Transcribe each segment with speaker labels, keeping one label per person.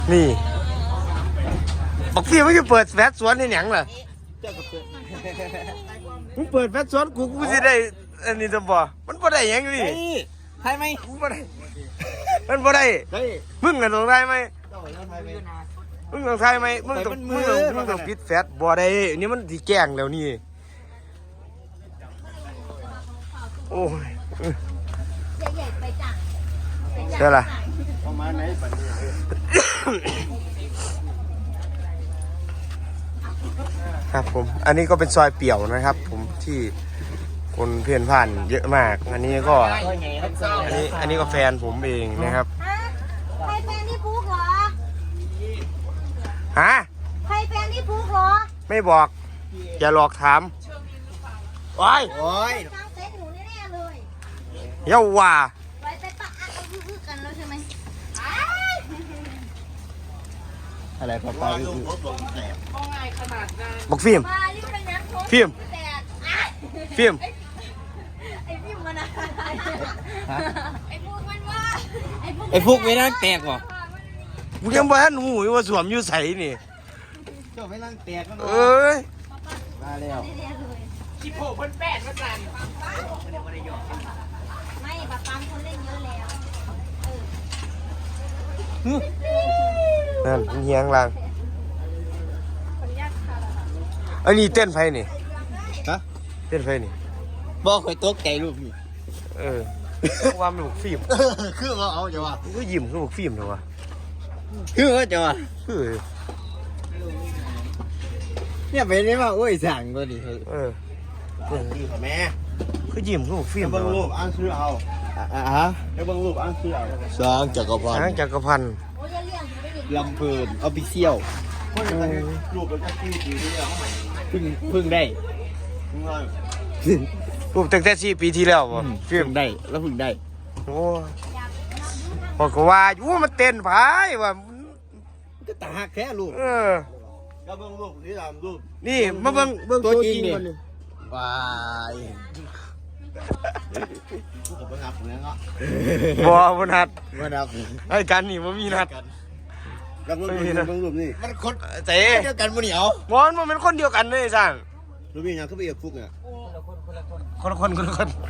Speaker 1: นี่บอกพี่ไม่จะเปิดแฟชสวนในหนังเหรอมึงเปิดแฟชสวนกูจะได้อันนี้จะบอกมันบ่ได้ยังนี่
Speaker 2: ใช่ไหม
Speaker 1: มันบ่ได้มันบ่ได้มึงกันตรงได้ไหมมึงต้องทายไหมมึงต้องปิดแฟชบ่ได้นี่มันที่แกล้งแล้วนี่โอ้ยเดี๋ยวล่ะครับผมอันนี้ก็เป็นซอยเปี่ยวนะครับผมที่คนเพื่อนผ่านเยอะมากอันนี้ก็อันนี้ก็แฟนผมเองนะครับ
Speaker 3: ใครแฟนที่พุกเหรอ
Speaker 1: ฮะ
Speaker 3: ใครแฟนที่พุกเหรอ
Speaker 1: ไม่บอกอย่าหลอกถามโอ้ย
Speaker 3: ตั้งเซ็ตหนูแน่ๆเลย
Speaker 1: เย้าว่า
Speaker 3: ไว้ไปปะอ่ะเอาคือกันแล้วใช่ไหม
Speaker 2: อะไรพ่อป้า
Speaker 1: บอกฟิล์มฟิล์มฟิล์ม
Speaker 3: ไอ้ฟิล์มมันอะไอ้พุกมันว่า
Speaker 2: ไอ้พวกไม่นั่งแตกหรอ
Speaker 1: กูยังบ่ทันหูว่าสวมอยู่ใส่นี่
Speaker 2: เจ้าไม่นั่งแตกกัน
Speaker 1: เอ้ย
Speaker 2: มาแล้ว
Speaker 3: คิดโผล่เพิ่นแปดมาสั่นไม่ปะปั๊มคนเล่นเยอะแล้ว
Speaker 1: นั่นเฮียงล่างอันนี้เต้นไฟนี่
Speaker 2: ฮะ
Speaker 1: เต้นไฟนี่
Speaker 2: บอกคอยตกใจลูกนี่
Speaker 1: ว่ามันบุกฟิล์ม
Speaker 2: คือว่าเอาจะว่า
Speaker 1: ก็ยิ้มคือบุกฟิล์มเถอะวะ
Speaker 2: คือว่าจะว่า
Speaker 1: คือ
Speaker 2: เนี่ยเป็นได้ว่าโอ้ยสั่งตัวนี้
Speaker 1: คือแม่คือยิ้มคือบุกฟิล์ม
Speaker 2: เบิ่งรูปอ่านชื่อเอาฮะเบิ่งรูปอ่านชื่อเอาสร้างจักรพันธ์ลำเพลินออฟฟิเชียลรูปเป็นที่ดีเนี่ยพึ่งได้
Speaker 1: รูปตั้งแต่4 ปีที่แล้ววะ
Speaker 2: ฟิล์มได้แล้วพึ่งได้
Speaker 1: โอ้บอกก็ว่าอยู่มันเต้นไผว่า
Speaker 2: ก็ตาแค่รูปก็เบิ่งรูปนี่ตามรูป
Speaker 1: นี่มาเบิ่ง
Speaker 2: ตัวจริงมันว้ายผมไปนับเนี่ยเนาะ
Speaker 1: บ่นัดไอ้กันนี่บ่มีนัด
Speaker 2: กับเบิ่งรูปนี่มันคนเดียวกันบ่นี่เอา
Speaker 1: มันเป็นคนเดียวกันเลยสั่ง
Speaker 2: รูปนี้ยังคือไปเอกฟุกเนี่ย
Speaker 1: คนละคนเหมื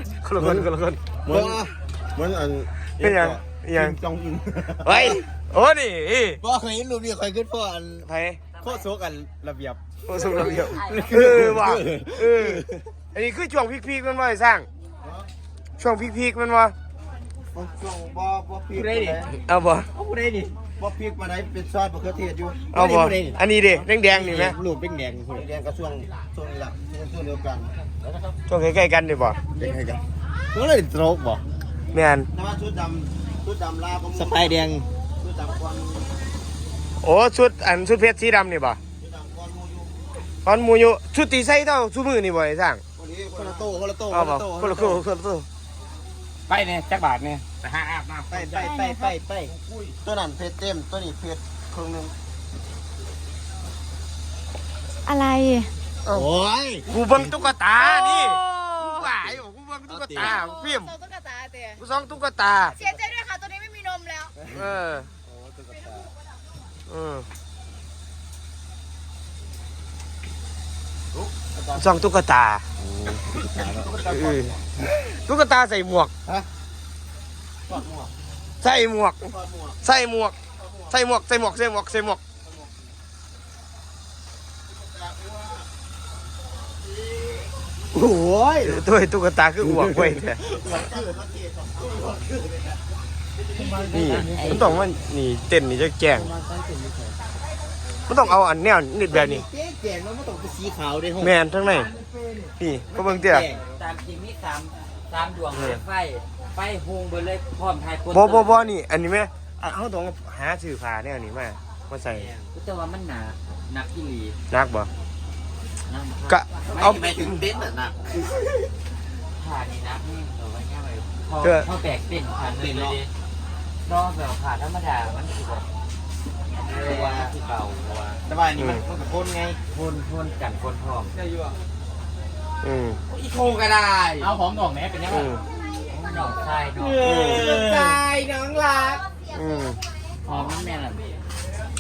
Speaker 2: อนอัน
Speaker 1: เป็นยัง
Speaker 2: จองอิน
Speaker 1: เฮ้ยโอ้นี่
Speaker 2: บอกเคยเห็นรูปนี้เคยขึ้นพ่ออัน
Speaker 1: ไผ
Speaker 2: โคตรโซกันระเบียบ
Speaker 1: ระเบียบว่ะอันนี้คือช่วงพีคๆมันว่าสร้างช่วงพีคๆมันว่า
Speaker 2: ช่วงบ่พีค
Speaker 1: เอาบ่
Speaker 2: ผู้ใดนี่บ่พีคมาไหนเป็นซอสมะเขือเทศอยู่
Speaker 1: เอาบ่อันนี้ดิแดงๆนี่มั้ย
Speaker 2: รูปแดงก็ช่วงนี้ล่ะช่วงเดียวกัน
Speaker 1: ช่วงใกล้ๆกันดิบ่
Speaker 2: ใกล้ๆกันก็เลยตรกบ่
Speaker 1: แม่น
Speaker 2: แต่ว่าชุดดำลาสไปแดงชุดดำควัน
Speaker 1: โอ้ชุดเพชรสีดำนี่บ่คอนมูอยู่ชุดตีใส่เท่าชุดมือนี่บ่ไอ้สร้าง
Speaker 2: คนละโต้
Speaker 1: เอาบ่คนละโต้
Speaker 2: ไปเนี่ยจักบาทเนี่ยไปหาอาบน้ำไปตัวนั้นเพชรเต็มตัวนี้เพชรครึ่งนึง
Speaker 3: อะไร
Speaker 2: โอ้ย
Speaker 1: กูเบิ่งตุ๊กตานี่กูหายกูเบิ่งตุ๊กตาฟิล์ม
Speaker 3: ตุ๊กตาเตี้ย
Speaker 1: กูส่องตุ๊กตา
Speaker 3: เสียใจด้วยค่ะตัวนี้ไม่มีนมแล้ว
Speaker 1: ส่องตุ๊กตาตุ๊กตาใส่หมวกใส่หมวก
Speaker 2: โอ้ย
Speaker 1: ตัวตุ๊กตาคือหมวกไว้เนี่ยนี่มันต้องมันนี่เต้นนี่จะแกงมันต้องเอาอันแนวนิดแบบนี้
Speaker 2: แกงมันต้องเป็นสีขาวด้วย
Speaker 1: แมนทั้งในนี่ก็เบิ่งเตี้ย
Speaker 4: ตามจริงนี่สามดวงไฟฮงไปเลยพร้อมทายคน
Speaker 1: บ่นี่อันนี้ไหมเขาต้องหาสื่อผ้าแนวนี้มาใส่
Speaker 4: แต่ว่ามันหนักที่หลี
Speaker 1: นักบ่ก็เอา
Speaker 2: ไปถึงเด็ดน่ะ
Speaker 4: ผ่านี่นักนี่เอาไว้แค่ไหนพอแบกเป็นผ่านเลยรอแบบผ่าธรรมดามันคือแบบว่าที่เก่า
Speaker 2: แต่ว่านี่มันคนไง
Speaker 4: คนกันคนพร้อม
Speaker 2: ได้อยู่
Speaker 4: อีโคก็ได้
Speaker 2: เอาหอมดอกแม่เป็นยังไง
Speaker 4: น้องชายน้อง
Speaker 2: ชายน้องรัก
Speaker 4: หอมแม่ล่ะ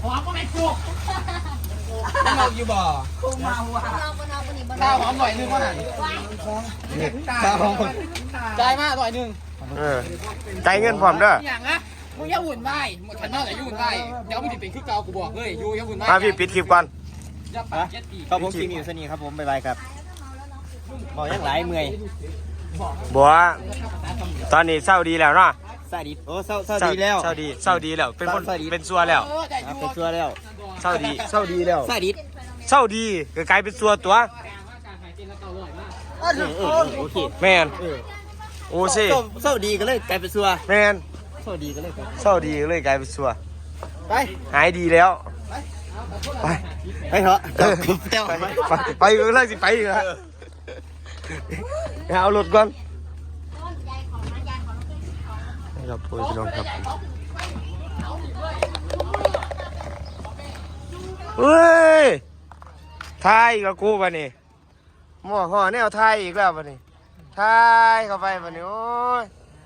Speaker 4: อมก็ไม่กูเราอยู่บ่กูเมาว่ะ
Speaker 3: เราบนเราบนนี่บน
Speaker 4: ข้าวหอมหน่อยนึงว่าไหนข้าวหอมจ่ายมาหน่อยนึง
Speaker 1: ใจเงินพร้อมเด้อ
Speaker 4: อย่างนะมึงอย่าหุ่นไหวฉันนอกจากยุ่นไหวเดี๋ยวมึงจะเป็นขึ้นเก่ากูบอกเลยยูอย่าหุ่นไหว
Speaker 1: มาพี่ปิดคลิปก่อน
Speaker 4: อย่าปากเจ็ดปี
Speaker 2: ครับผมทีมอยู่สนีครับผมบ๊ายบายครับบอกยังหลายเมื่อย
Speaker 1: บัวตอนนี้เศร้าดีแล้วเนาะ
Speaker 2: สวัสดีโอ้เศร้าดีแล้ว
Speaker 1: เศร้าดีแล้วเป็นคน
Speaker 2: เศร้าดี
Speaker 1: เป็นซัวแล้ว
Speaker 2: เป็นตัวแล้ว
Speaker 1: เศร้าดีแล้ว
Speaker 2: สวัสดี
Speaker 1: เศร้าดีก็กลายเป็นซัวตัว
Speaker 2: โอเค
Speaker 1: แมนโอ้สิ
Speaker 2: เศร้าดีก็เลยกลายเป็นซัว
Speaker 1: แมน
Speaker 2: เศร้าดีก็เลย
Speaker 1: เศร้าดีก็เลยกลายเป็นซัว
Speaker 2: ไป
Speaker 1: หายดีแล้วไป
Speaker 2: ไปเถอะ
Speaker 1: ไปก็เลิกสิไปอีกแล้วเอารถก่อนครับพี่น้องครับเฮ้ยทายอีกแล้วกูป่ะนี่หม้อห่อแนวทายอีกแล้วป่ะนี่ทายเข้าไปป่ะนี่โอ้ย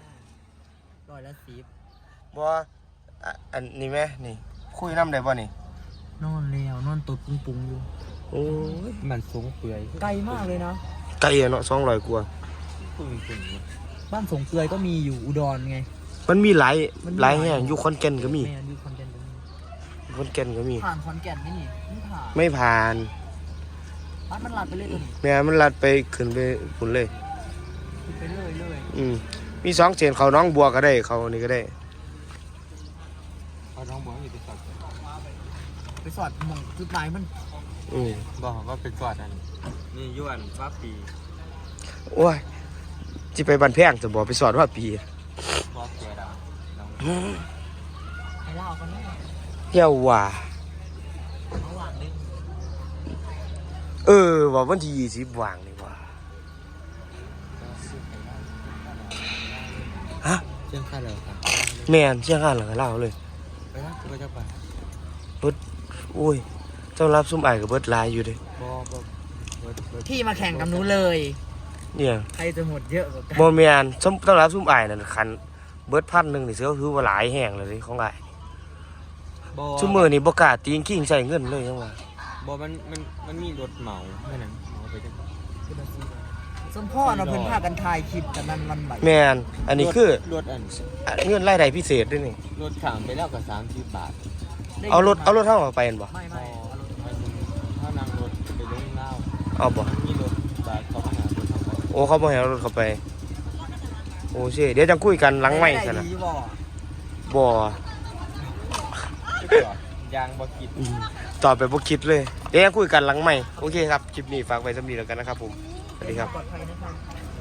Speaker 2: 110
Speaker 1: บัวอันนี้ไหมนี่คุยน้ำได้ป่ะนี่
Speaker 4: นอนแล้วนอนตดปุ้งอยู่
Speaker 1: โอ้ย
Speaker 2: มันสูงเปื่อย
Speaker 4: ไกลมากเลยนะ
Speaker 1: ไกลอะเนาะ200กว่า
Speaker 4: บ้านสงเกลือยก็มีอยู่อุดรไง
Speaker 1: มันมีหลายแห่งอยู่ขอนแก่นก็มี
Speaker 4: แม่ดูคอนเทนต์
Speaker 1: ขอนแก่นก็มี
Speaker 4: ผ่านขอนแก่นนี่ไม่ผ่าน
Speaker 1: ไม่ผ่าน
Speaker 4: บ้านมันหลัดไปเลยตัวนี้
Speaker 1: แม่มันลัดไปขึ้นไปพุ่นเลย
Speaker 4: ไปเลย
Speaker 1: มี2เส้นเขาน้องบัวก็ได้เขานี่ก็ได้
Speaker 2: เอาน้องบัวอยู่ที่สอด
Speaker 4: ไปสอดมองจุดหมายมัน
Speaker 2: บอกว่าเป็นสอดอันนี่ยวนฟ้าปี
Speaker 1: โอ้ยจิไปบันแพงจะบอกไปสอนว่าปี
Speaker 2: บอกเกียร์ดาว
Speaker 4: ไอ้เล่ากันแน่
Speaker 1: เย้าว่า
Speaker 4: ระหว่างนึง
Speaker 1: ว่าวันที่20ว่างนี่ว่าฮะ
Speaker 2: เชื่องค่าเลยครับ
Speaker 1: แม่นเชี่ยงงานหลังเล่าเลย
Speaker 2: ไปนะก็จะไป
Speaker 1: โอ้ยเจ้ารับซุ่มไอ้กับเบิดหลายอยู่เด้
Speaker 2: บอก
Speaker 4: พี่มาแข่งกับหนูเลย
Speaker 1: เนี่ย
Speaker 4: ใครจะหมดเยอะกว่ากัน
Speaker 1: บ่แม่นต้องรับซุ่มไอ้นั่นคันเบิด1,000นี่เสือคือว่าหลายแห้งเลยของอ้ายซุมื้อนี่บ่กล้าตีงขิงใส่เงินเลยจังว่า
Speaker 2: บอกมันมีรถเหมาแค่นั้นเหมาไปจัง
Speaker 4: สมพ่อเราเพิ่นพากันถ่ายคลิปกันนั้นวันใหม่
Speaker 1: แม่นอันนี้คือ
Speaker 2: รถอัน
Speaker 1: เงินรายได้พิเศษด้วยนี่
Speaker 2: รถขามไปแล้วกับ30 บาท
Speaker 1: เอารถเท่าออกไปเห็นบ่
Speaker 4: ไม่
Speaker 2: ถ้านั่งรถไปลงเล่า
Speaker 1: เอาบ่
Speaker 2: มีรถบาทเขามาหารถเข้าไป
Speaker 1: โอ้เขาบ่ให้เอารถเข้าไปโอ้เดี๋ยวจังคุยกันหลังไมค์ซะนะ
Speaker 4: ด้บ่
Speaker 1: บ่
Speaker 2: ยางบ่คิด
Speaker 1: ตอบไปบ่คิดเลยเดี๋ยวยังคุยกันหลังไมค์โอเคครับคลิปนี้ฝากไว้สำหรับนี้แล้วกันนะครับผมสวัสดีครับ
Speaker 4: ปลอดภัยนะครับ